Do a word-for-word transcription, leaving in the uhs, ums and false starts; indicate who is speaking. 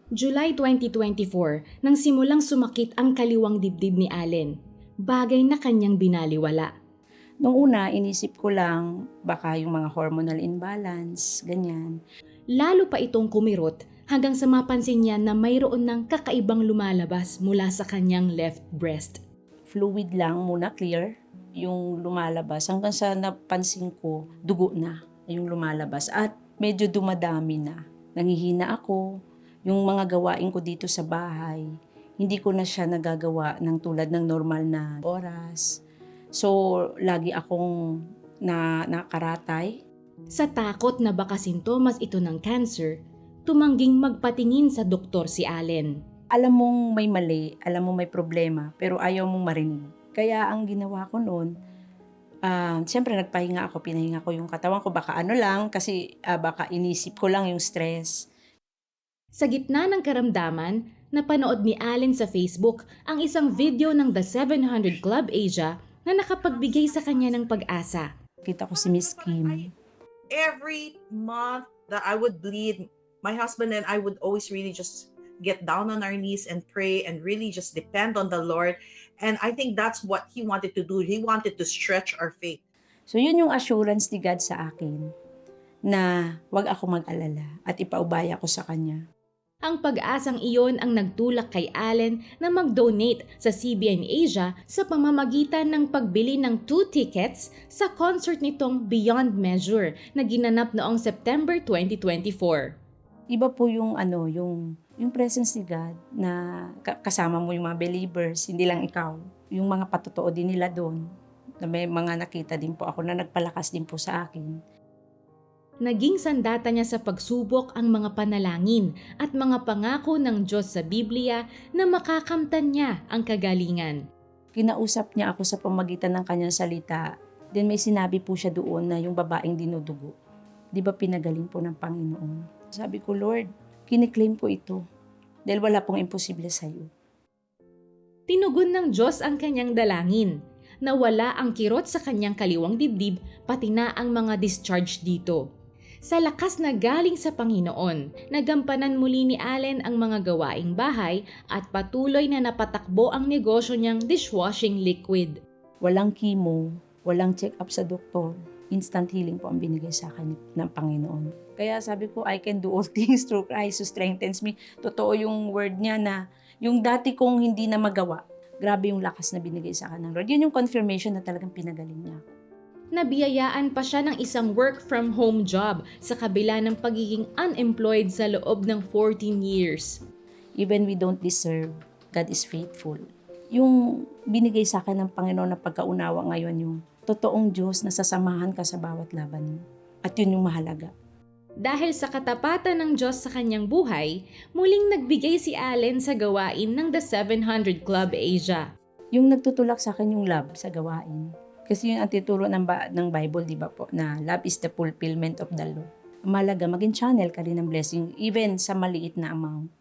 Speaker 1: July twenty twenty-four, nang simulang sumakit ang kaliwang dibdib ni Allen, bagay na kanyang binaliwala.
Speaker 2: Nung una, inisip ko lang baka yung mga hormonal imbalance, ganyan.
Speaker 1: Lalo pa itong kumirot hanggang sa mapansin niya na mayroon ng kakaibang lumalabas mula sa kanyang left breast.
Speaker 2: Fluid lang muna, clear, yung lumalabas. Hanggang sa napansin ko, dugo na yung lumalabas. At medyo dumadami na. Nangihina ako. Yung mga gawain ko dito sa bahay, hindi ko na siya nagagawa ng tulad ng normal na oras. So, lagi akong na nakaratay.
Speaker 1: Sa takot na baka sintomas ito ng cancer, tumangging magpatingin sa doktor si Allen.
Speaker 2: Alam mong may mali, alam mong may problema, pero ayaw mong marinig. Kaya ang ginawa ko noon, uh, siyempre nagpahinga ako, pinahinga ko yung katawan ko. Baka ano lang, kasi uh, baka inisip ko lang yung stress.
Speaker 1: Sa gitna ng karamdaman, napanood ni Allen sa Facebook ang isang video ng The seven hundred Club Asia na nakapagbigay sa kanya ng pag-asa.
Speaker 2: Kita ko si Miss Kim.
Speaker 3: Every month that I would bleed, my husband and I would always really just get down on our knees and pray and really just depend on the Lord. And I think that's what He wanted to do. He wanted to stretch our faith.
Speaker 2: So yun yung assurance ni God sa akin na wag ako mag-alala at ipaubaya ko sa Kanya.
Speaker 1: Ang pag-asang iyon ang nagtulak kay Allen na mag-donate sa C B N Asia sa pamamagitan ng pagbili ng two tickets sa concert nitong Beyond Measure na ginanap noong September twenty twenty-four.
Speaker 2: Iba po yung ano, yung yung presence ni God na kasama mo yung mga believers, hindi lang ikaw. Yung mga patotoo din nila doon. Na may mga nakita din po ako na nagpalakas din po sa akin.
Speaker 1: Naging sandata niya sa pagsubok ang mga panalangin at mga pangako ng Diyos sa Biblia na makakamtan niya ang kagalingan.
Speaker 2: Kinausap niya ako sa pamagitan ng kanyang salita. Then may sinabi po siya doon na yung babaeng dinudugo. Di ba pinagaling po ng Panginoon? Sabi ko, Lord, kiniklaim ko ito dahil wala pong imposible sa iyo.
Speaker 1: Tinugon ng Diyos ang kanyang dalangin. Nawala ang kirot sa kanyang kaliwang dibdib pati na ang mga discharge dito. Sa lakas na galing sa Panginoon, nagampanan muli ni Allen ang mga gawaing bahay at patuloy na napatakbo ang negosyo niyang dishwashing liquid.
Speaker 2: Walang chemo, walang check-up sa doktor. Instant healing po ang binigay sa akin ng Panginoon. Kaya sabi ko, I can do all things through Christ who strengthens me. Totoo yung word niya na yung dati kong hindi na magawa, grabe yung lakas na binigay sa akin ng Lord. Yun yung confirmation na talagang pinagaling niya ako.
Speaker 1: Nabiyayaan pa siya ng isang work-from-home job sa kabila ng pagiging unemployed sa loob ng fourteen years.
Speaker 2: Even we don't deserve, God is faithful. Yung binigay sa akin ng Panginoon na pagkaunawa ngayon, yung totoong Diyos na sasamahan ka sa bawat laban mo. At yun yung mahalaga.
Speaker 1: Dahil sa katapatan ng Diyos sa kanyang buhay, muling nagbigay si Allen sa gawain ng The seven hundred Club Asia.
Speaker 2: Yung nagtutulak sa akin yung love sa gawain. Kasi yun ang tituro ng, ba- ng Bible, di ba po, na love is the fulfillment of the law. Malaga, maging channel ka rin ng blessing, even sa maliit na amount.